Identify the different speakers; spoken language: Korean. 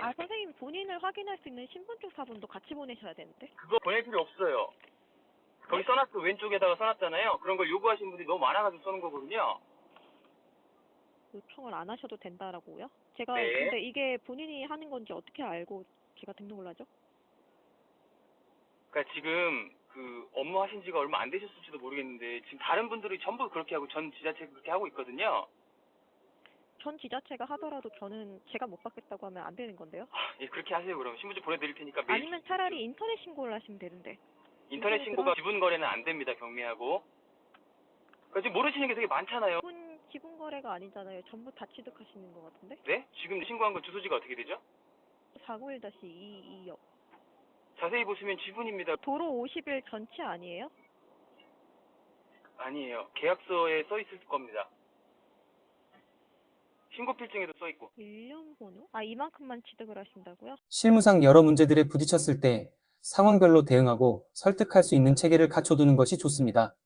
Speaker 1: 아, 선생님 본인을 확인할 수 있는 신분증 사본도 같이 보내셔야 되는데.
Speaker 2: 그거 보낼 필요 없어요. 거기 써놨어. 왼쪽에다가 써놨잖아요. 그런 걸 요구하시는 분들이 너무 많아가지고 써는 거거든요.
Speaker 1: 요청을 안 하셔도 된다라고요? 제가
Speaker 2: 네.
Speaker 1: 근데 이게 본인이 하는 건지 어떻게 알고 제가 등록을 하죠?
Speaker 2: 그러니까 지금 그 업무 하신 지가 얼마 안 되셨을지도 모르겠는데 지금 다른 분들이 전부 그렇게 하고 전 지자체 그렇게 하고 있거든요.
Speaker 1: 전 지자체가 하더라도 저는 제가 못 받겠다고 하면 안 되는 건데요?
Speaker 2: 예, 그렇게 하세요. 그럼 신분증 보내드릴 테니까 메일.
Speaker 1: 아니면 차라리 인터넷 신고를 하시면 되는데.
Speaker 2: 인터넷 신고가 기분 거래는 안 됩니다. 경미하고. 그러니까 지금 모르시는 게 되게 많잖아요.
Speaker 1: 기본 거래가 아니잖아요. 전부 다 취득하시는 것 같은데?
Speaker 2: 네? 지금 신고한 건 주소지가 어떻게 되죠?
Speaker 1: 491-22역.
Speaker 2: 자세히 보시면 지분입니다.
Speaker 1: 도로 50일 전체 아니에요?
Speaker 2: 아니에요. 계약서에 써 있을 겁니다. 신고 필증에도 써 있고.
Speaker 1: 일련 번호? 아, 이만큼만 취득을 하신다고요?
Speaker 3: 실무상 여러 문제들에 부딪혔을 때 상황별로 대응하고 설득할 수 있는 체계를 갖춰두는 것이 좋습니다.